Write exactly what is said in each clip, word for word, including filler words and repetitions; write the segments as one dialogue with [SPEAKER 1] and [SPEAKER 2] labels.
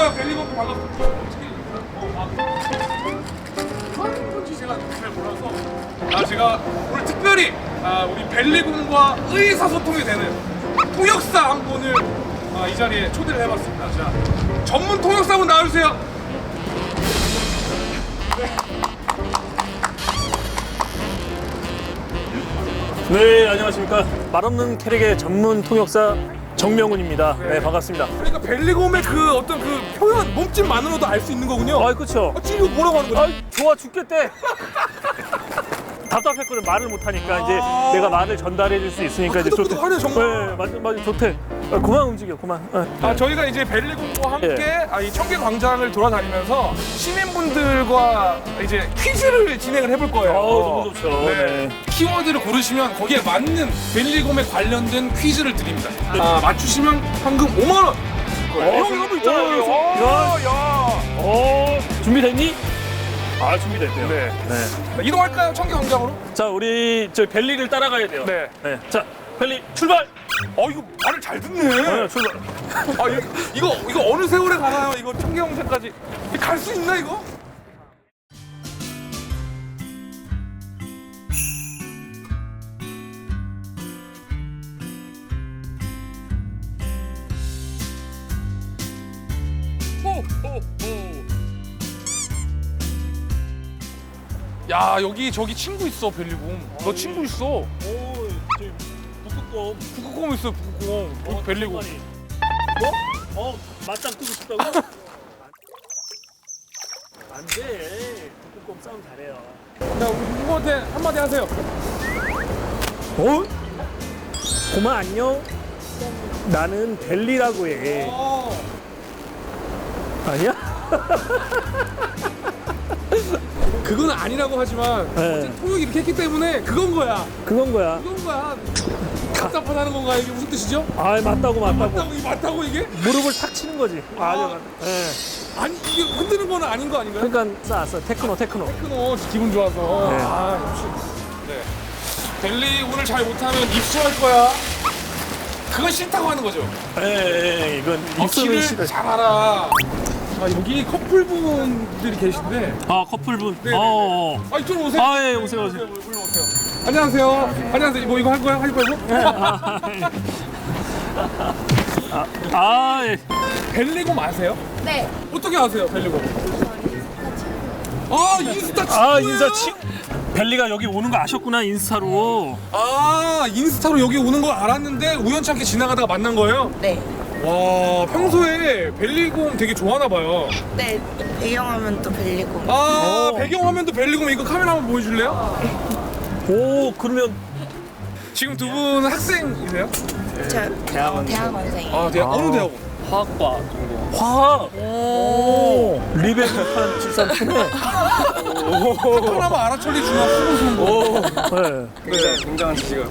[SPEAKER 1] 반가워요. 벨리곰 반갑습니다. 어떻게 어, 아. 뭔지 제가 잘 몰라서 아 제가 오늘 특별히 아, 우리 벨리곰과 의사소통이 되는 통역사 한 분을 아, 이 자리에 초대를 해봤습니다. 자, 전문 통역사분 나와주세요.
[SPEAKER 2] 네, 안녕하십니까. 말없는 캐릭의 전문 통역사 정명훈입니다. 네, 반갑습니다.
[SPEAKER 1] 그러니까 벨리곰의 그 어떤 그 표현 몸짓만으로도 알 수 있는 거군요.
[SPEAKER 2] 아, 그쵸.
[SPEAKER 1] 아, 지금 이거 뭐라고 하는 거야?
[SPEAKER 2] 아, 좋아 죽겠대. 답답했거든. 말을 못하니까 이제
[SPEAKER 1] 아.
[SPEAKER 2] 내가 말을 전달해 줄 수 있으니까
[SPEAKER 1] 아,
[SPEAKER 2] 이제
[SPEAKER 1] 끄덕끄덕하네, 정말.
[SPEAKER 2] 네, 맞아, 맞아, 좋대. 아, 그만 움직여, 그만. 네.
[SPEAKER 1] 아, 저희가 이제 벨리곰과 함께
[SPEAKER 2] 예.
[SPEAKER 1] 아, 이 청계 광장을 돌아다니면서 시민분들과 이제 퀴즈를 진행을 해볼 거예요.
[SPEAKER 2] 어, 너무 좋죠.
[SPEAKER 1] 네.
[SPEAKER 2] 네.
[SPEAKER 1] 키워드를 고르시면 거기에 맞는 벨리곰에 관련된 퀴즈를 드립니다. 아, 맞추시면 황금 오만 원.
[SPEAKER 2] 어,
[SPEAKER 1] 형 이거 있잖아요.
[SPEAKER 2] 어,
[SPEAKER 1] 어, 야.
[SPEAKER 2] 어, 준비됐니? 아, 준비됐대요.
[SPEAKER 1] 네.
[SPEAKER 2] 네.
[SPEAKER 1] 이동할까요, 청계 광장으로?
[SPEAKER 2] 자, 우리 저 벨리를 따라가야 돼요.
[SPEAKER 1] 네.
[SPEAKER 2] 네. 자, 벨리 출발.
[SPEAKER 1] 어, 이거 말을 잘 듣네.
[SPEAKER 2] 네, 출발.
[SPEAKER 1] 아, 이거, 이거 이거 어느 세월에 가나요? 이거 청계 광장까지 갈 수 있나 이거? 야, 여기 저기 친구 있어, 벨리곰. 너 친구 있어.
[SPEAKER 2] 오, 저기 북극곰.
[SPEAKER 1] 북극곰 있어요, 북극곰. 여기 벨리곰.
[SPEAKER 2] 뭐? 어, 맞짱 뜨고 싶다고? 안 돼. 북극곰 싸움 잘해요.
[SPEAKER 1] 자, 우리 누구한테 한마디 하세요.
[SPEAKER 2] 어? 고마 안녕. 나는 벨리라고 해.
[SPEAKER 1] 어.
[SPEAKER 2] 아니야?
[SPEAKER 1] 그건 아니라고 하지만
[SPEAKER 2] 네.
[SPEAKER 1] 통역이 이렇게 했기 때문에 그건 거야.
[SPEAKER 2] 그건 거야.
[SPEAKER 1] 그건 거야. 답답하다는 건가? 이게 무슨 뜻이죠?
[SPEAKER 2] 아, 맞다고 맞다고.
[SPEAKER 1] 맞다고, 이게 맞다고 이게?
[SPEAKER 2] 무릎을 탁 치는 거지.
[SPEAKER 1] 아.
[SPEAKER 2] 아, 맞. 네.
[SPEAKER 1] 아니, 이게 흔드는 거는 아닌 거 아닌가요?
[SPEAKER 2] 그러니까 싸웠어. 테크노 테크노.
[SPEAKER 1] 테크노 기분 좋아서.
[SPEAKER 2] 네.
[SPEAKER 1] 아, 역시. 네. 벨리 오늘 잘 못하면 입수할 거야. 그건 싫다고 하는 거죠.
[SPEAKER 2] 예, 예, 이건 입술은
[SPEAKER 1] 입술을
[SPEAKER 2] 싫어.
[SPEAKER 1] 잘 알아. 아, 여기 커플분들이 계신데.
[SPEAKER 2] 아, 커플분.
[SPEAKER 1] 네,
[SPEAKER 2] 어.
[SPEAKER 1] 아, 이쪽으로 오세요.
[SPEAKER 2] 아, 예, 오세요, 오세요.
[SPEAKER 1] 물로 오세요. 안녕하세요. 안녕하세요. 뭐 이거 할 거야? 할 거야?
[SPEAKER 2] 아, 아, 예.
[SPEAKER 1] 벨리곰 아세요?
[SPEAKER 3] 네.
[SPEAKER 1] 어떻게 아세요, 벨리곰? 아, 인스타 친구예요?
[SPEAKER 2] 아, 인사 치. 벨리가 여기 오는 거 아셨구나, 인스타로.
[SPEAKER 1] 아, 인스타로 여기 오는 거 알았는데 우연찮게 지나가다가 만난 거예요?
[SPEAKER 3] 네.
[SPEAKER 1] 와, 평소에 벨리곰 되게 좋아하나 봐요.
[SPEAKER 3] 네. 배경화면 또 벨리고.
[SPEAKER 1] 아,
[SPEAKER 2] 오.
[SPEAKER 1] 배경화면도 벨리곰. 이거 카메라 한번 보여줄래요?
[SPEAKER 2] 오, 그러면
[SPEAKER 1] 지금 두 분 학생이세요?
[SPEAKER 3] 저 대학원 대학원생이에요.
[SPEAKER 1] 아, 대학,
[SPEAKER 2] 아.
[SPEAKER 1] 어느 대학원?
[SPEAKER 2] 화학과 정도. 화학. 오. 리베 북한 칠삼 네
[SPEAKER 1] 하나만 아라철리 중학 수능 거.
[SPEAKER 2] 오. 네.
[SPEAKER 1] 네.
[SPEAKER 4] 굉장한 지식을.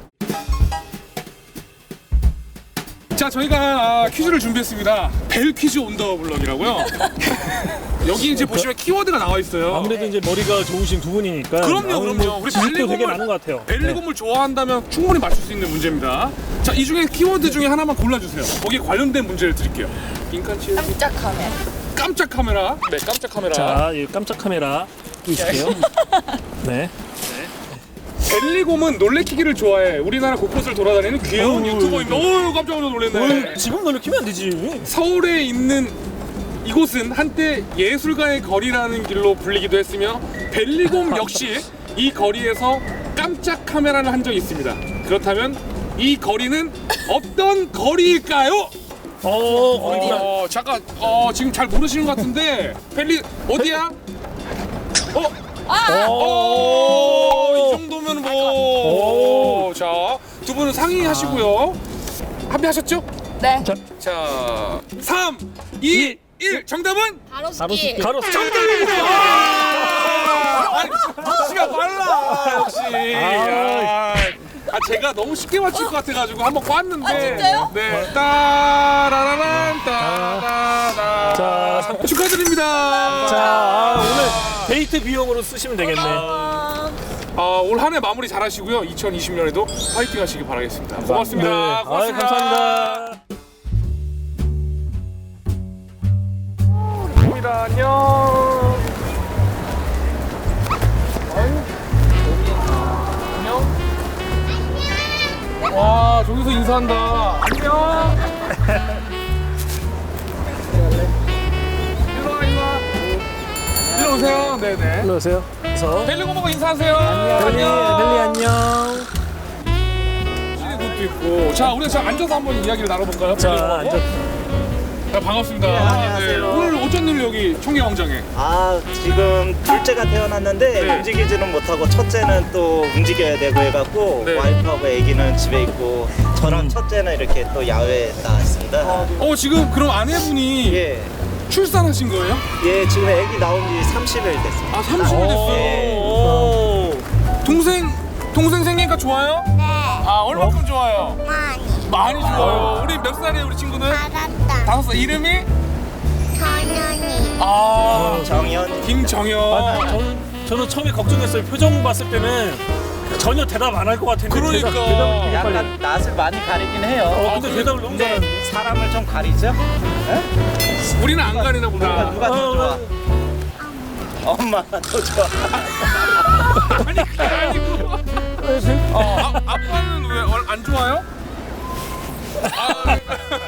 [SPEAKER 1] 자, 저희가 아, 퀴즈를 준비했습니다. 벨 퀴즈 온 더 블럭이라고요. 여기 이제 보시면 키워드가 나와 있어요.
[SPEAKER 2] 아무래도 이제 머리가 좋으신 두 분이니까.
[SPEAKER 1] 그럼요,
[SPEAKER 2] 아무래도
[SPEAKER 1] 그럼요.
[SPEAKER 2] 뭐
[SPEAKER 1] 우리
[SPEAKER 2] 지식도 되게
[SPEAKER 1] 벨리곰을-
[SPEAKER 2] 많은 것 같아요.
[SPEAKER 1] 벨리곰을 좋아한다면 충분히 맞출 수 있는 문제입니다. 자, 이 중에 키워드 중에 하나만 골라주세요. 거기에 관련된 문제를 드릴게요. 인칸치
[SPEAKER 3] 깜짝 카메라.
[SPEAKER 1] 깜짝 카메라. 네, 깜짝 카메라.
[SPEAKER 2] 자, 이 깜짝 카메라 끼실게요. 네.
[SPEAKER 1] 벨리곰은 놀래키기를 좋아해. 우리나라 곳곳을 돌아다니는 귀여운
[SPEAKER 2] 어우,
[SPEAKER 1] 유튜버입니다. 어우, 깜짝 놀랐네.
[SPEAKER 2] 어, 지금 놀래키면 안 되지.
[SPEAKER 1] 서울에 있는 이곳은 한때 예술가의 거리라는 길로 불리기도 했으며 벨리곰 역시 이 거리에서 깜짝 카메라를 한 적이 있습니다. 그렇다면 이 거리는 어떤 거리일까요?
[SPEAKER 2] 어, 어디야?
[SPEAKER 1] 어, 잠깐, 어, 지금 잘 모르시는 것 같은데 벨리 어디야? 어? 어, 이 정도면 뭐. 자, 두 분은 상의하시고요. 합의하셨죠?
[SPEAKER 3] 네.
[SPEAKER 1] 자, 삼, 이, 일. 정답은?
[SPEAKER 3] 가로수길.
[SPEAKER 2] 가로수.
[SPEAKER 1] 정답입니다. 아니, 시간 빨라. 역시. 아, 아, 제가 너무 쉽게 맞출 것 같아가지고 한번 꽈는데.
[SPEAKER 3] 아, 진짜요?
[SPEAKER 1] 네. 따라라란 따라라.
[SPEAKER 2] 자,
[SPEAKER 1] 축하드립니다.
[SPEAKER 2] 자, 아, 오늘 데이트 비용으로 쓰시면 되겠네.
[SPEAKER 3] 아,
[SPEAKER 1] 어, 올 한 해 마무리 잘하시고요. 이천이십 년에도 파이팅 하시기 바라겠습니다. 고맙습니다.
[SPEAKER 2] 네.
[SPEAKER 1] 고맙습니다.
[SPEAKER 2] 아유, 감사합니다.
[SPEAKER 1] 고맙습니다. 안녕. 안녕. 와, 저기서 인사한다. 안녕. 일로 와, 일로 와. 일로 오세요. 네네.
[SPEAKER 2] 일로 오세요. 그래서
[SPEAKER 1] 벨리고모가 인사하세요.
[SPEAKER 2] 벨리, 벨리 안녕.
[SPEAKER 1] 것도 있고. 자, 우리 자 앉아서 한번 이야기를 나눠볼까요?
[SPEAKER 2] 자,
[SPEAKER 1] 벨리고모?
[SPEAKER 2] 앉아.
[SPEAKER 1] 자, 반갑습니다.
[SPEAKER 4] 네, 안녕하세요.
[SPEAKER 1] 오늘 어쩐 일로 여기 청계광장에?
[SPEAKER 4] 아 지금 둘째가 태어났는데
[SPEAKER 1] 네.
[SPEAKER 4] 움직이지는 못하고 첫째는 또 움직여야 되고 해갖고
[SPEAKER 1] 네.
[SPEAKER 4] 와이프하고 아기는 집에 있고 저랑 첫째는 이렇게 또 야외에 나왔습니다.
[SPEAKER 1] 어, 지금 그럼 아내분이
[SPEAKER 4] 예,
[SPEAKER 1] 출산하신 거예요?
[SPEAKER 4] 예 지금 아기 나온 지 삼십 일 됐습니다.
[SPEAKER 1] 아, 삼십 일 됐어요.
[SPEAKER 4] 예.
[SPEAKER 1] 오. 동생, 동생 생기니까 좋아요?
[SPEAKER 3] 네.
[SPEAKER 1] 아, 얼마큼 좋아요?
[SPEAKER 3] 많이.
[SPEAKER 1] 많이 좋아요. 우리 몇 살이에요, 우리 친구는?
[SPEAKER 3] 알았다.
[SPEAKER 1] 다섯 살. 이름이?
[SPEAKER 3] 전현이.
[SPEAKER 1] 아,
[SPEAKER 4] 정현.
[SPEAKER 1] 김정현.
[SPEAKER 2] 아, 저는 저는 처음에 걱정했어요. 표정 봤을 때는 전혀 대답 안 할 것 같은데.
[SPEAKER 1] 그러니까.
[SPEAKER 2] 대답, 대답을 되게 빨리.
[SPEAKER 4] 약간 낯을 많이 가리긴 해요.
[SPEAKER 2] 어, 근데
[SPEAKER 1] 아,
[SPEAKER 2] 대답을 너무
[SPEAKER 4] 근데
[SPEAKER 2] 잘하는데.
[SPEAKER 4] 사람을 좀 가리죠?
[SPEAKER 1] 우리는 안 가리나
[SPEAKER 4] 누가,
[SPEAKER 1] 보다.
[SPEAKER 4] 누가 더 좋아?
[SPEAKER 2] 어,
[SPEAKER 4] 엄마가 더 좋아.
[SPEAKER 1] 아니, 그게 아니고. 어, 아, 아빠는 왜 안 좋아요? 아,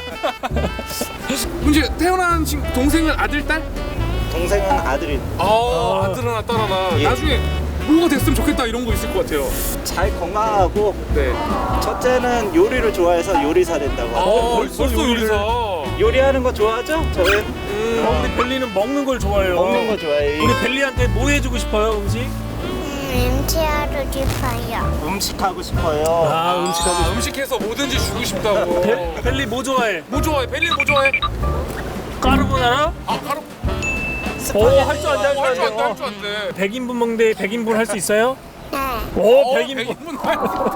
[SPEAKER 1] 이제 태어난 친 동생은 아들, 딸?
[SPEAKER 4] 동생은 아들이
[SPEAKER 1] 아, 아들 하나, 딸 하나.
[SPEAKER 4] 예.
[SPEAKER 1] 나중에 뭐가 됐으면 좋겠다 이런 거 있을 것 같아요.
[SPEAKER 4] 잘 건강하고
[SPEAKER 1] 네.
[SPEAKER 4] 첫째는 요리를 좋아해서 요리사 된다고
[SPEAKER 1] 아,
[SPEAKER 4] 하고
[SPEAKER 1] 벌써,
[SPEAKER 2] 벌써
[SPEAKER 1] 요리사.
[SPEAKER 4] 요리하는 거 좋아하죠? 저는
[SPEAKER 1] 음.
[SPEAKER 2] 어, 우리 벨리는 먹는 걸 좋아해요.
[SPEAKER 4] 먹는 거 좋아해요.
[SPEAKER 2] 우리 벨리한테 뭐 해주고 싶어요, 음식?
[SPEAKER 3] 음치하러 싶어요.
[SPEAKER 4] 음식 하고 싶어요.
[SPEAKER 2] 아, 음식하고
[SPEAKER 1] 아, 음식해서 뭐든지 주고 싶다고.
[SPEAKER 2] 벨, 벨리 뭐 좋아해?
[SPEAKER 1] 뭐 좋아해? 벨리 뭐 좋아해?
[SPEAKER 2] 까르보나라?
[SPEAKER 1] 아, 바로.
[SPEAKER 2] 오, 할 줄 안돼, 할 줄
[SPEAKER 1] 할줄
[SPEAKER 2] 안돼.
[SPEAKER 1] 안돼, 할줄 안돼.
[SPEAKER 2] 백 인분 먹는데 백 인분 할 수 있어요?
[SPEAKER 3] 네.
[SPEAKER 2] 오,
[SPEAKER 1] 어,
[SPEAKER 2] 백 인분.
[SPEAKER 1] 백 인분.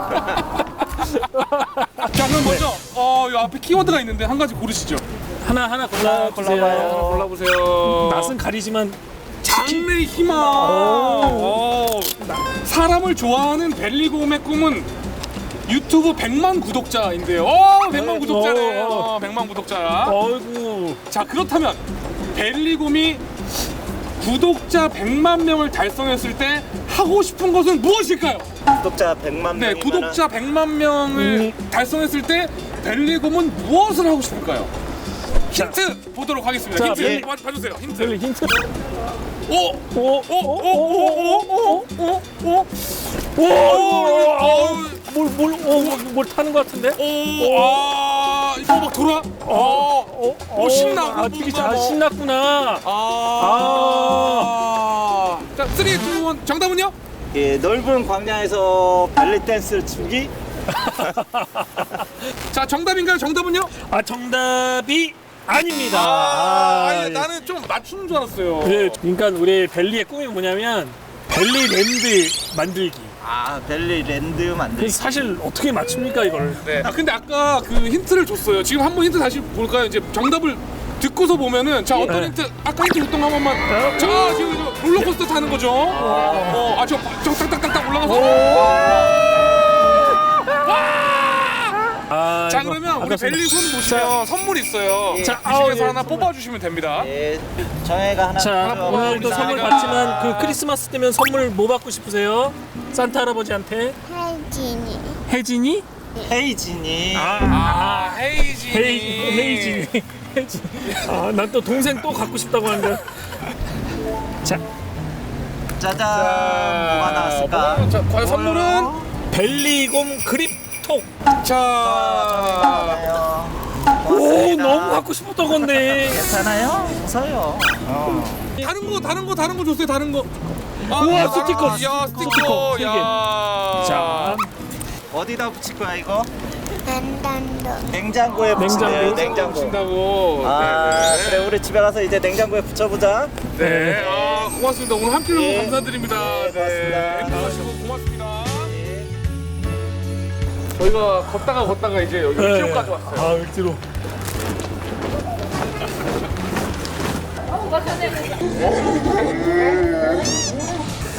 [SPEAKER 1] 자, 그럼 먼저 어, 이 앞에 키워드가 있는데 한 가지 고르시죠.
[SPEAKER 2] 하나 하나 골라 주세요.
[SPEAKER 4] 골라봐요.
[SPEAKER 1] 골라보세요.
[SPEAKER 2] 낯은 가리지만
[SPEAKER 1] 장래 희망. 오. 사람을 좋아하는 벨리곰의 꿈은 유튜브 백만 구독자인데요. 오, 백만 구독자네.
[SPEAKER 2] 오.
[SPEAKER 1] 어, 백만 구독자.
[SPEAKER 2] 어이구.
[SPEAKER 1] 자, 그렇다면 벨리곰이 구독자 백만 명을 달성했을 때 하고 싶은 것은 무엇일까요?
[SPEAKER 4] 구독자 백만
[SPEAKER 1] 네,
[SPEAKER 4] 명이면
[SPEAKER 1] 구독자 백만 명을 달성했을 때 벨리곰은 무엇을 하고 싶을까요? 힌트 보도록 하겠습니다.
[SPEAKER 2] 자,
[SPEAKER 1] 힌트
[SPEAKER 4] 예.
[SPEAKER 1] 봐, 봐주세요. 힌트.
[SPEAKER 2] 벨리 힌트.
[SPEAKER 1] 오,
[SPEAKER 2] 오,
[SPEAKER 1] 오, 오, 오, 오, 오, 오, 오,
[SPEAKER 2] 오, 뭘뭘 오, 뭘 타는 것 같은데?
[SPEAKER 1] 오, 아, 이거 막 돌아. 어,
[SPEAKER 2] 오,
[SPEAKER 1] 오, 신나.
[SPEAKER 2] 아, 되게
[SPEAKER 1] 뭔가
[SPEAKER 2] 잘
[SPEAKER 1] 뭐.
[SPEAKER 2] 신났구나.
[SPEAKER 1] 아, 자, 삼, 이, 일, 정답은요?
[SPEAKER 4] 예, 넓은 광야에서 벨리 댄스를 추기.
[SPEAKER 1] 자, 정답인가요? 정답은요?
[SPEAKER 2] 아, 정답이 아닙니다.
[SPEAKER 1] 아,
[SPEAKER 2] 아,
[SPEAKER 1] 아니, 나는 좀 맞추는 줄 알았어요.
[SPEAKER 2] 네, 그러니까 우리 벨리의 꿈이 뭐냐면 벨리 랜드 만들기.
[SPEAKER 4] 아, 벨리 랜드 만들기.
[SPEAKER 2] 그래서 사실 어떻게 맞춥니까 이걸?
[SPEAKER 1] 네. 아, 근데 아까 그 힌트를 줬어요. 지금 한번 힌트 다시 볼까요? 이제 정답을 듣고서 보면은 자, 어떤
[SPEAKER 2] 네.
[SPEAKER 1] 힌트? 아까 힌트 줬던 거 한 번만. 자, 지금 이거 롤러코스터 타는 거죠. 어, 아, 저, 저 딱딱딱딱 올라가서.
[SPEAKER 2] 아,
[SPEAKER 1] 자,
[SPEAKER 2] 이거
[SPEAKER 1] 그러면 우리
[SPEAKER 2] 아깝습니다.
[SPEAKER 1] 벨리 손 보시면 선물 있어요.
[SPEAKER 4] 예.
[SPEAKER 1] 자,
[SPEAKER 2] 자,
[SPEAKER 1] 그 중에서
[SPEAKER 2] 아우, 예,
[SPEAKER 1] 하나
[SPEAKER 2] 선물.
[SPEAKER 1] 뽑아주시면 됩니다.
[SPEAKER 4] 예, 정혜가 하나.
[SPEAKER 2] 자,
[SPEAKER 4] 가져와
[SPEAKER 2] 오늘도
[SPEAKER 4] 봅니다.
[SPEAKER 2] 선물
[SPEAKER 1] 제가-
[SPEAKER 2] 받지만 그 크리스마스 때면 선물 뭐 받고 싶으세요? 산타 할아버지한테?
[SPEAKER 3] 혜진이.
[SPEAKER 2] 혜진이?
[SPEAKER 4] 헤이진이.
[SPEAKER 1] 아, 헤이지.
[SPEAKER 2] 헤이, 헤이진이. 혜진. 아, 난 또 동생 또 갖고 싶다고 하는데. 자,
[SPEAKER 4] 짜잔. 뭐가 나왔을까?
[SPEAKER 1] 뭐가- 자, 과연 선물은?
[SPEAKER 2] 벨리곰 그립톡.
[SPEAKER 1] 자,
[SPEAKER 4] 괜찮아요.
[SPEAKER 2] 오, 너무 갖고 싶었던 건데.
[SPEAKER 4] 괜찮아요? 웃어요. 어.
[SPEAKER 1] 다른 거, 다른 거, 다른 거 줬어요, 다른 거. 아,
[SPEAKER 2] 우와,
[SPEAKER 1] 야,
[SPEAKER 2] 스티커,
[SPEAKER 1] 야,
[SPEAKER 2] 스티커,
[SPEAKER 1] 스티커,
[SPEAKER 2] 세 개.
[SPEAKER 1] 야.
[SPEAKER 2] 자,
[SPEAKER 4] 어디다 붙일 거야 이거?
[SPEAKER 3] 난단도.
[SPEAKER 4] 냉장고에 붙이네요.
[SPEAKER 2] 냉장고.
[SPEAKER 4] 냉장고.
[SPEAKER 1] 주신다고.
[SPEAKER 4] 아,
[SPEAKER 1] 네,
[SPEAKER 4] 그래 우리 집에 가서 이제 냉장고에 붙여보자.
[SPEAKER 1] 네. 네. 아, 고맙습니다. 오늘 함께 해주셔서
[SPEAKER 4] 예.
[SPEAKER 1] 감사드립니다.
[SPEAKER 4] 네, 고맙습니다.
[SPEAKER 1] 행복하시고 고맙습니다. 저희가 걷다가 걷다가 이제 여기
[SPEAKER 2] 네.
[SPEAKER 1] 일지로까지 왔어요.
[SPEAKER 2] 아, 을지로.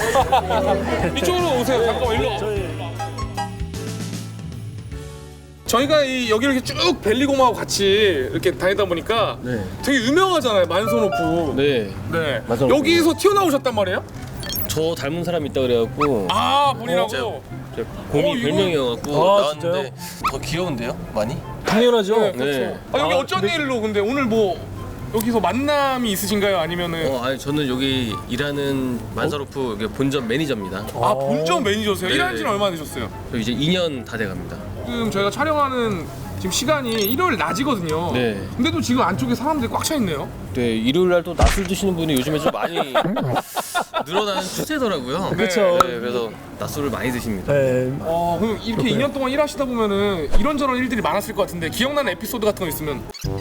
[SPEAKER 1] 이쪽으로 오세요. 잠깐만 일로. 와.
[SPEAKER 2] 저희
[SPEAKER 1] 저희가 이 여기 이렇게 쭉 벨리곰하고 같이 이렇게 다니다 보니까
[SPEAKER 2] 네.
[SPEAKER 1] 되게 유명하잖아요, 만소노프.
[SPEAKER 2] 네.
[SPEAKER 1] 네.
[SPEAKER 2] 만소노프.
[SPEAKER 1] 여기서 튀어나오셨단 말이에요?
[SPEAKER 2] 저 닮은 사람이 있다 그래갖고
[SPEAKER 1] 아, 본인하고.
[SPEAKER 2] 제가 곰이
[SPEAKER 1] 어, 이거-
[SPEAKER 2] 별명이어갖고
[SPEAKER 5] 아,
[SPEAKER 2] 나왔는데 더 귀여운데요? 많이?
[SPEAKER 5] 당연하죠.
[SPEAKER 1] 네,
[SPEAKER 2] 네.
[SPEAKER 1] 그렇죠. 아, 여기
[SPEAKER 5] 아,
[SPEAKER 1] 어쩐
[SPEAKER 5] 근데-
[SPEAKER 1] 일로 근데 오늘 뭐 여기서 만남이 있으신가요? 아니면은
[SPEAKER 2] 어, 아니 저는 여기 일하는 만사로프 여기 본점 매니저입니다.
[SPEAKER 1] 아, 본점 매니저세요?
[SPEAKER 2] 네.
[SPEAKER 1] 일한 지는 얼마나 되셨어요?
[SPEAKER 2] 저 이제 이 년 다 돼갑니다.
[SPEAKER 1] 지금 저희가 촬영하는 지금 시간이 일요일 낮이거든요.
[SPEAKER 2] 네.
[SPEAKER 1] 근데도 지금 안쪽에 사람들이 꽉 차 있네요.
[SPEAKER 2] 네, 일요일 날 또 낮술 드시는 분이 요즘에 좀 많이 늘어나는 추세더라고요.
[SPEAKER 5] 그쵸.
[SPEAKER 2] 네, 그래서 낮술을 많이 드십니다.
[SPEAKER 5] 네.
[SPEAKER 1] 어, 그럼 이렇게 이 년 동안 일하시다 보면은 이런저런 일들이 많았을 것 같은데 기억나는 에피소드 같은 거 있으면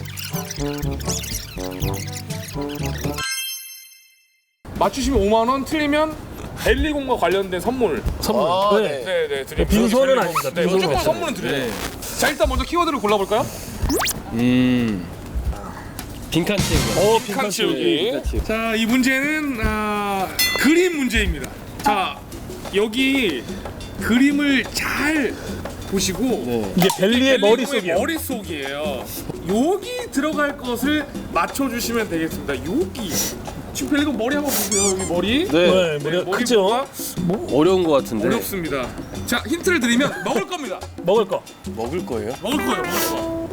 [SPEAKER 1] 맞추시면 오만 원, 틀리면 벨리곰과 관련된 선물.
[SPEAKER 5] 선물.
[SPEAKER 2] 아,
[SPEAKER 5] 네.
[SPEAKER 2] 네.
[SPEAKER 1] 네, 네, 드립니다.
[SPEAKER 5] 빈손은
[SPEAKER 1] 벨리곰.
[SPEAKER 5] 아닙니다.
[SPEAKER 1] 네,
[SPEAKER 5] 빈손은
[SPEAKER 1] 무조건
[SPEAKER 5] 아닙니다.
[SPEAKER 1] 선물은 드려요.
[SPEAKER 2] 네.
[SPEAKER 1] 자, 일단 먼저 키워드를 골라볼까요?
[SPEAKER 2] 음. 빈칸 채우기.
[SPEAKER 5] 어,
[SPEAKER 1] 칸
[SPEAKER 5] 빈칸
[SPEAKER 1] 치우기.
[SPEAKER 2] 빈칸 치우기.
[SPEAKER 1] 자, 이 문제는 아, 그림 문제입니다. 자, 여기 그림을 잘 보시고
[SPEAKER 2] 네.
[SPEAKER 5] 이게 벨리의
[SPEAKER 1] 벨리곰의
[SPEAKER 5] 머릿속이에요.
[SPEAKER 1] 머릿속이에요. 여기 들어갈 것을 맞춰주시면 되겠습니다. 여기. 지금 벨리곰 머리 한번 보세요. 여기 머리.
[SPEAKER 5] 네,
[SPEAKER 1] 네,
[SPEAKER 5] 머리가 크죠?
[SPEAKER 1] 머리가
[SPEAKER 2] 어려운 것 같은데.
[SPEAKER 1] 어렵습니다. 자, 힌트를 드리면 먹을 겁니다.
[SPEAKER 5] 먹을 거.
[SPEAKER 2] 먹을 거예요?
[SPEAKER 1] 먹을 거예요, 먹을 거.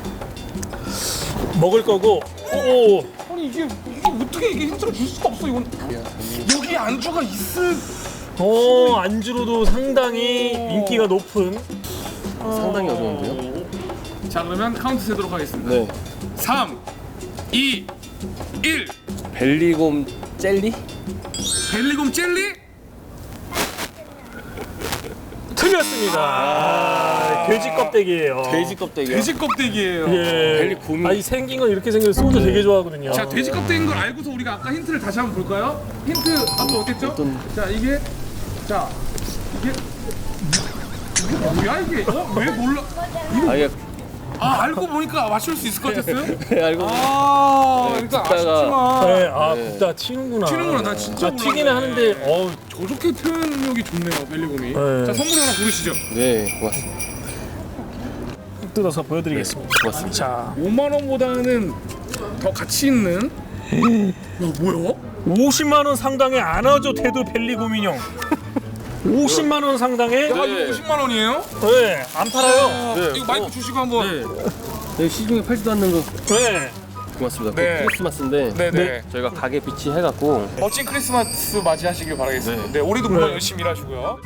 [SPEAKER 5] 먹을 거고. 오.
[SPEAKER 1] 아니 이게 이게 어떻게 이게 힌트를 줄 수가 없어 이건. 여기 안주가 있을.
[SPEAKER 5] 어, 안주로도 상당히 인기가 높은.
[SPEAKER 2] 상당히 어려운데요?
[SPEAKER 1] 자, 그러면 카운트 세도록 하겠습니다.
[SPEAKER 2] 네.
[SPEAKER 1] 삼, 이, 일.
[SPEAKER 2] 벨리곰 젤리?
[SPEAKER 1] 벨리곰 젤리?
[SPEAKER 5] 틀렸습니다. 아, 돼지 껍데기예요.
[SPEAKER 2] 돼지 껍데기요?
[SPEAKER 1] 돼지 껍데기예요.
[SPEAKER 5] 예.
[SPEAKER 2] 벨리곰이-
[SPEAKER 5] 아니 생긴 건 이렇게 생겨서 소주 되게 좋아하거든요.
[SPEAKER 1] 자, 돼지 껍데기인 걸 알고서 우리가 아까 힌트를 다시 한번 볼까요? 힌트 한번 어땠죠?
[SPEAKER 2] 어떤-
[SPEAKER 1] 자, 이게 자, 이게 이게 뭐야 이게? 어? 왜 몰라?
[SPEAKER 2] 아, 이게
[SPEAKER 1] 아, 알고 보니까 맞출 수 있을 것 같았어요?
[SPEAKER 2] 알고
[SPEAKER 1] 아,
[SPEAKER 2] 네,
[SPEAKER 1] 일단
[SPEAKER 2] 듣다가-
[SPEAKER 1] 아쉽지만
[SPEAKER 5] 네, 아,
[SPEAKER 2] 네.
[SPEAKER 5] 굽다 튀는구나.
[SPEAKER 1] 튀는구나. 나 진짜
[SPEAKER 5] 아, 튀기는
[SPEAKER 1] 몰랐네.
[SPEAKER 5] 하는데, 어우,
[SPEAKER 1] 저렇게 표현력이 좋네요, 벨리곰이.
[SPEAKER 5] 네.
[SPEAKER 1] 자, 선물 하나 고르시죠.
[SPEAKER 2] 네, 고맙습니다.
[SPEAKER 5] 뜯어서 보여드리겠습니다.
[SPEAKER 2] 고맙습니다.
[SPEAKER 5] 자,
[SPEAKER 1] 오만 원보다는 더 가치 있는. 야, 뭐야?
[SPEAKER 5] 오십만 원 상당의 안아줘 태도 벨리곰 인형. 오십만 원 상당의,
[SPEAKER 1] 야,
[SPEAKER 2] 네.
[SPEAKER 1] 이거 오십만 원이에요?
[SPEAKER 5] 네, 안 팔아요.
[SPEAKER 2] 네.
[SPEAKER 1] 이거 마이크
[SPEAKER 2] 어.
[SPEAKER 1] 주시고 한번.
[SPEAKER 2] 네. 네, 시중에 팔지도 않는 거
[SPEAKER 5] 네.
[SPEAKER 2] 고맙습니다.
[SPEAKER 1] 네.
[SPEAKER 2] 그 크리스마스인데
[SPEAKER 1] 네, 네.
[SPEAKER 2] 저희가 가게 빛이 해갖고
[SPEAKER 1] 멋진 크리스마스 맞이하시길 바라겠습니다. 네,
[SPEAKER 2] 네.
[SPEAKER 1] 올해도 물론
[SPEAKER 5] 네.
[SPEAKER 1] 열심히 일하시고요.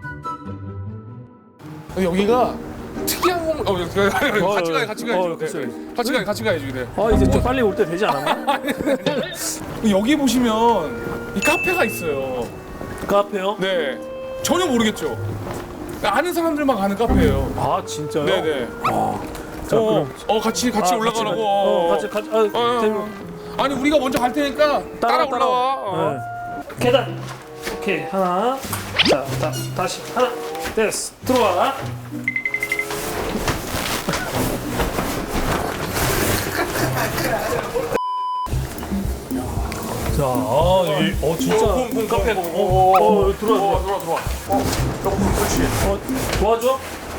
[SPEAKER 1] 여기가 특이한 건 어, 여기 같이 가요, 같이 가야죠.
[SPEAKER 5] 어,
[SPEAKER 1] 네,
[SPEAKER 5] 그쵸.
[SPEAKER 1] 네. 같이 가요, 같이 가야죠. 네.
[SPEAKER 5] 아, 이제 좀 빨리 올 때 되지 않았나?
[SPEAKER 1] 여기 보시면 이 카페가 있어요.
[SPEAKER 5] 카페요?
[SPEAKER 1] 네, 전혀 모르겠죠. 아는 사람들만 가는 카페예요.
[SPEAKER 5] 아, 진짜요?
[SPEAKER 1] 네, 네.
[SPEAKER 5] 자,
[SPEAKER 1] 어,
[SPEAKER 5] 그럼.
[SPEAKER 1] 어, 같이 같이
[SPEAKER 5] 아,
[SPEAKER 1] 올라가라고.
[SPEAKER 5] 어, 같이, 같이, 아,
[SPEAKER 1] 어,
[SPEAKER 5] 재밌-
[SPEAKER 1] 어. 아니 우리가 먼저 갈 테니까 따라, 올라와. 어.
[SPEAKER 5] 네. 계단. 오케이, 하나. 자, 다, 다시. 하나. 됐어. 들어와. 자, 아, 이, 어, 진짜.
[SPEAKER 1] 봄, 봄,
[SPEAKER 5] 카페.
[SPEAKER 1] 봄, 봄,
[SPEAKER 5] 어,
[SPEAKER 1] 봄,
[SPEAKER 5] 어,
[SPEAKER 1] 봄.
[SPEAKER 5] 들어와,
[SPEAKER 1] 어,
[SPEAKER 5] 들어와.
[SPEAKER 1] 들어와, 들어와. 어, 조금 그렇지.
[SPEAKER 5] 어, 도와줘?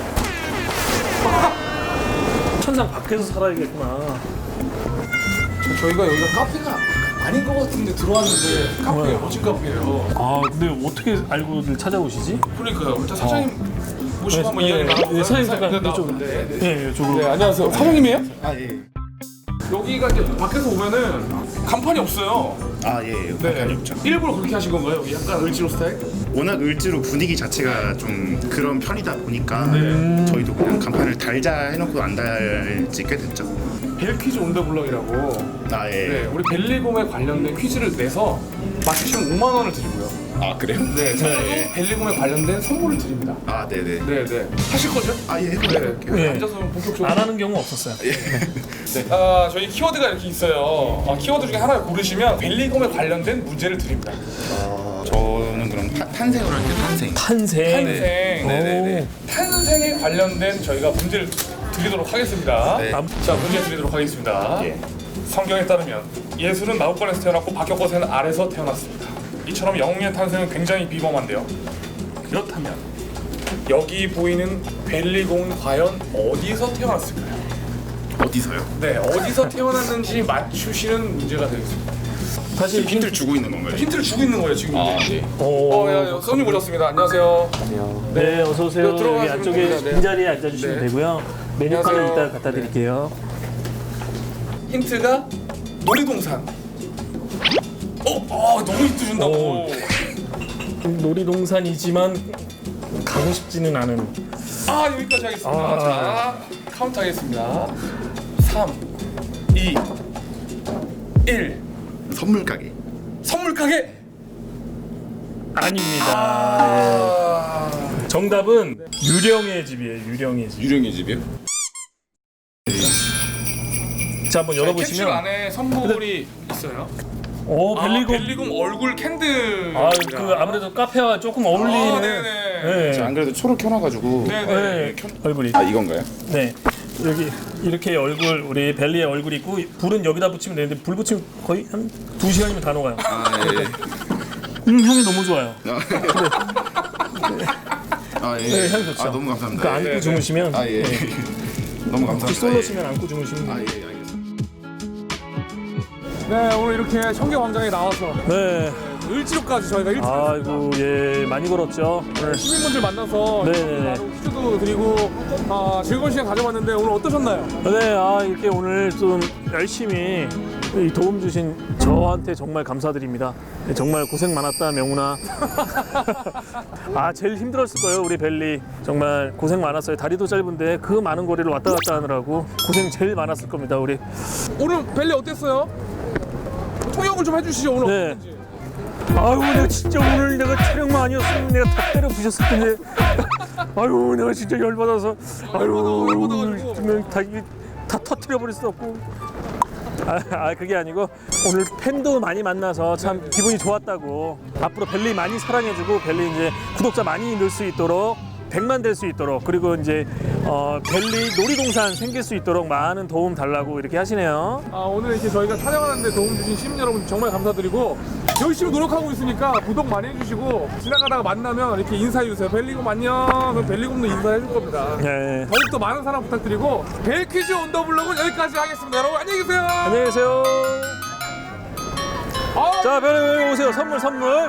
[SPEAKER 5] 천상 밖에서 살아야겠구나.
[SPEAKER 1] 저희가 여기가 카페가 아닌 것 같은데 들어왔는데 카페예요. 멋진 카페예요.
[SPEAKER 5] 아, 근데 어떻게 알고들 찾아오시지?
[SPEAKER 1] 그러니까요. 자, 사장님 모시고 한번
[SPEAKER 5] 네,
[SPEAKER 1] 이야기
[SPEAKER 5] 네,
[SPEAKER 1] 나눠볼까요?
[SPEAKER 5] 네, 사장님 잠깐
[SPEAKER 1] 네,
[SPEAKER 5] 이쪽으로.
[SPEAKER 1] 네, 네.
[SPEAKER 5] 네, 이쪽으로.
[SPEAKER 1] 네, 안녕하세요. 사장님이에요?
[SPEAKER 6] 아 예.
[SPEAKER 1] 여기가 이제 밖에서 오면은 간판이 없어요.
[SPEAKER 6] 아 예.
[SPEAKER 1] 네.
[SPEAKER 6] 간판이 없죠.
[SPEAKER 1] 일부러 그렇게 하신 건가요? 여기 약간 을지로 스타일?
[SPEAKER 6] 워낙 을지로 분위기 자체가 좀 그런 편이다 보니까
[SPEAKER 1] 네.
[SPEAKER 6] 저희도 그냥 간판을 달자 해놓고 안 달지 꽤 됐죠.
[SPEAKER 1] 벨퀴즈 온더블럭이라고.
[SPEAKER 6] 아 예.
[SPEAKER 1] 네, 우리 벨리곰에 관련된 퀴즈를 내서 맞추시면 오만 원을 드리고요.
[SPEAKER 6] 아 그래요?
[SPEAKER 1] 네, 저희도 벨리곰에 관련된 선물을 드립니다.
[SPEAKER 6] 아 네네.
[SPEAKER 1] 네, 네. 하실 거죠?
[SPEAKER 6] 아 예.
[SPEAKER 1] 네.
[SPEAKER 6] 해볼게요.
[SPEAKER 5] 네.
[SPEAKER 1] 앉아서 본격적으로.
[SPEAKER 5] 안 하는 경우 없었어요.
[SPEAKER 1] 네. 아, 저희 키워드가 이렇게 있어요. 아, 키워드 중에 하나 고르시면 벨리곰에 관련된 문제를 드립니다.
[SPEAKER 6] 어, 저는 그럼 타, 탄생을 할게요. 탄생.
[SPEAKER 5] 탄생.
[SPEAKER 1] 탄생.
[SPEAKER 6] 네네네.
[SPEAKER 1] 탄생에 관련된 저희가 문제를 드리도록 하겠습니다.
[SPEAKER 6] 네.
[SPEAKER 1] 자, 문제 드리도록 하겠습니다.
[SPEAKER 6] 예.
[SPEAKER 1] 성경에 따르면 예수는 마구간에서 태어났고 박혁거새는 알에서 태어났습니다. 이처럼 영웅의 탄생은 굉장히 비범한데요. 그렇다면 여기 보이는 벨리곰은 과연 어디서 태어났을까요?
[SPEAKER 6] 어디서요?
[SPEAKER 1] 네, 어디서 태어났는지 맞추시는 문제가 되겠습니다.
[SPEAKER 2] 사실
[SPEAKER 6] 힌트를 주고 있는 건가요?
[SPEAKER 1] 힌트를 주고 있는 거예요 지금.
[SPEAKER 6] 아,
[SPEAKER 1] 이제.
[SPEAKER 2] 오.
[SPEAKER 1] 어, 야, 야, 손님 오셨습니다. 안녕하세요.
[SPEAKER 2] 네, 어서 오세요.
[SPEAKER 1] 네, 들어가시면
[SPEAKER 2] 여기 안쪽에
[SPEAKER 1] 됩니다. 네.
[SPEAKER 2] 빈자리에 앉아주시면
[SPEAKER 1] 네.
[SPEAKER 2] 되고요. 메뉴판을
[SPEAKER 1] 안녕하세요.
[SPEAKER 2] 이따 갖다 드릴게요.
[SPEAKER 1] 힌트가 놀이동산. 어, 어 너무 힌트 준다고.
[SPEAKER 2] 오. 놀이동산이지만 가고 싶지는 않은.
[SPEAKER 1] 아 여기까지 하겠습니다.
[SPEAKER 2] 아.
[SPEAKER 1] 자 카운트 하겠습니다. 삼, 이, 일.
[SPEAKER 6] 선물 가게.
[SPEAKER 1] 선물 가게.
[SPEAKER 2] 아닙니다.
[SPEAKER 1] 아.
[SPEAKER 2] 예. 정답은 유령의 집이에요. 유령의 집.
[SPEAKER 6] 유령의 집이요?
[SPEAKER 2] 자, 한번
[SPEAKER 1] 캡슐
[SPEAKER 2] 열어보시면.
[SPEAKER 1] 안에 선물이 있어요.
[SPEAKER 2] 오,
[SPEAKER 1] 아,
[SPEAKER 2] 벨리곰.
[SPEAKER 1] 벨리곰 얼굴 캔들.
[SPEAKER 2] 아, 그 아무래도 카페와 조금 어울리는.
[SPEAKER 1] 아, 네네.
[SPEAKER 2] 네.
[SPEAKER 6] 저 안 그래도 초록 켜놔가지고.
[SPEAKER 1] 네네.
[SPEAKER 2] 네, 얼굴이.
[SPEAKER 6] 아 이건가요?
[SPEAKER 2] 네. 여기 이렇게 얼굴 우리 벨리의 얼굴이 있고 불은 여기다 붙이면 되는데 불 붙이면 거의 한 두 시간이면 다 녹아요.
[SPEAKER 6] 아 예.
[SPEAKER 2] 음, 향이 너무 좋아요.
[SPEAKER 6] 아 예.
[SPEAKER 2] 네, 향 좋죠.
[SPEAKER 6] 아 너무 감사합니다.
[SPEAKER 2] 그 안고
[SPEAKER 6] 예.
[SPEAKER 2] 주무시면
[SPEAKER 6] 아 예.
[SPEAKER 2] 네.
[SPEAKER 6] 너무 감사합니다.
[SPEAKER 2] 솔로시면 안고 주무시면
[SPEAKER 6] 아 예.
[SPEAKER 2] 돼요.
[SPEAKER 6] 아, 예 알겠습니다.
[SPEAKER 1] 네 오늘 이렇게 청계광장에 나와서
[SPEAKER 2] 네.
[SPEAKER 1] 을지로까지 저희가 일찍
[SPEAKER 2] 아이고 예 많이 걸었죠. 네.
[SPEAKER 1] 시민분들 만나서
[SPEAKER 2] 네네네.
[SPEAKER 1] 바로 퀴즈도 드리고 아, 즐거운 시간 가져봤는데 오늘 어떠셨나요?
[SPEAKER 2] 네, 아 이렇게 오늘 좀 열심히 이 도움 주신 저한테 정말 감사드립니다. 네, 정말 고생 많았다 명훈아. 아 제일 힘들었을 거예요 우리 벨리. 정말 고생 많았어요. 다리도 짧은데 그 많은 거리를 왔다 갔다 하느라고 고생 제일 많았을 겁니다 우리.
[SPEAKER 1] 오늘 벨리 어땠어요? 통역을 좀 해주시죠 오늘
[SPEAKER 2] 네.
[SPEAKER 1] 어땠는지.
[SPEAKER 2] 아유 내가 진짜 오늘 내가 촬영만 아니었으면 내가 다 때려 부셨을 텐데. 아유 내가 진짜 열받아서. 아유
[SPEAKER 1] 열받아가지고.
[SPEAKER 2] 정말 다 이게 다 터트려 버릴 수 없고. 아, 아 그게 아니고 오늘 팬도 많이 만나서 참 기분이 좋았다고. 앞으로 벨리 많이 사랑해주고 벨리 이제 구독자 많이 늘 수 있도록 백만 될 수 있도록 그리고 이제 어, 벨리 놀이동산 생길 수 있도록 많은 도움 달라고 이렇게 하시네요.
[SPEAKER 1] 아, 오늘 이렇게 저희가 촬영하는데 도움 주신 시민 여러분 정말 감사드리고 열심히 노력하고 있으니까 구독 많이 해주시고 지나가다가 만나면 이렇게 인사해주세요. 벨리곰 안녕. 그럼 벨리곰도 인사해줄 겁니다.
[SPEAKER 2] 네.
[SPEAKER 1] 더욱더 많은 사랑 부탁드리고 벨퀴즈 온 더 블럭은 여기까지 하겠습니다. 여러분 안녕히 계세요.
[SPEAKER 2] 안녕히 계세요.
[SPEAKER 1] 아,
[SPEAKER 2] 자, 벨리 오세요. 선물 선물.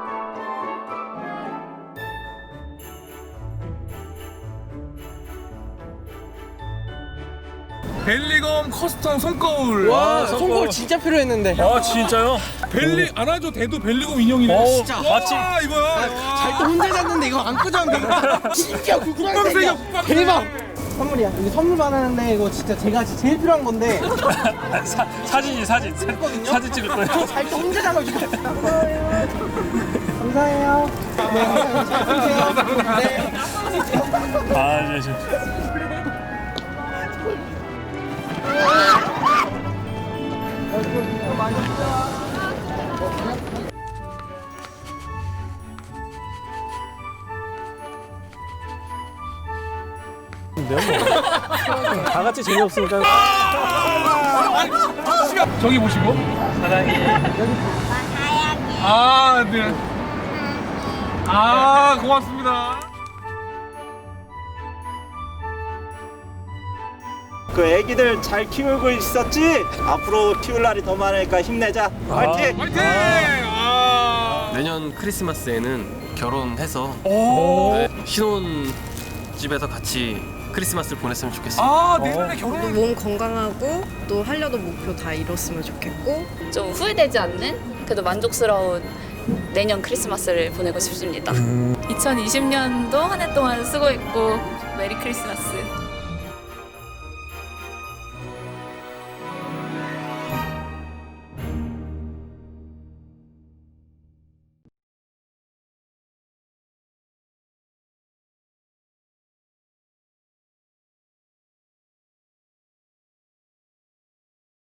[SPEAKER 1] 벨리곰 커스텀 손거울.
[SPEAKER 2] 와,
[SPEAKER 7] 손거울 진짜 필요했는데.
[SPEAKER 2] 아 진짜요?
[SPEAKER 1] 벨리 안아줘 대도 벨리곰 인형이네.
[SPEAKER 2] 어,
[SPEAKER 1] 진짜.
[SPEAKER 2] 마치-
[SPEAKER 1] 와, 이거야.
[SPEAKER 7] 잘 또 혼자 잤는데 이거 안고 잤는데 진짜
[SPEAKER 1] 깜짝이야,
[SPEAKER 7] 구구랑색이야.
[SPEAKER 1] 깜짝이야.
[SPEAKER 7] 대박. 선물이야. 이거 선물 받았는데 이거 진짜 제가 제일 필요한 건데
[SPEAKER 2] 사, 사진이 사진. 사, 사진 찍을 거예요.
[SPEAKER 7] 잘 또 혼자 자가지고. 감사해요. 네, 감사해요. 잘 쓰세요. 네.
[SPEAKER 2] 아, 네, 저. 다 같이 재미없으니까.
[SPEAKER 1] 저기 보시고. 아, 네. 아, 고맙습니다.
[SPEAKER 4] 그 애기들 잘 키우고 있었지? 앞으로 키울 날이 더 많으니까 힘내자. 화이팅!
[SPEAKER 1] 화이팅! 아.
[SPEAKER 8] 내년 크리스마스에는 결혼해서
[SPEAKER 2] 오.
[SPEAKER 8] 네, 신혼집에서 같이 크리스마스를 보냈으면 좋겠습니다.
[SPEAKER 1] 아, 내년에 결혼.
[SPEAKER 9] 몸 건강하고 또 하려던 목표 다 이뤘으면 좋겠고
[SPEAKER 10] 좀 후회되지 않는 그래도 만족스러운 내년 크리스마스를 보내고 싶습니다. 이천이십 년도 한 해 동안 수고했고 메리 크리스마스.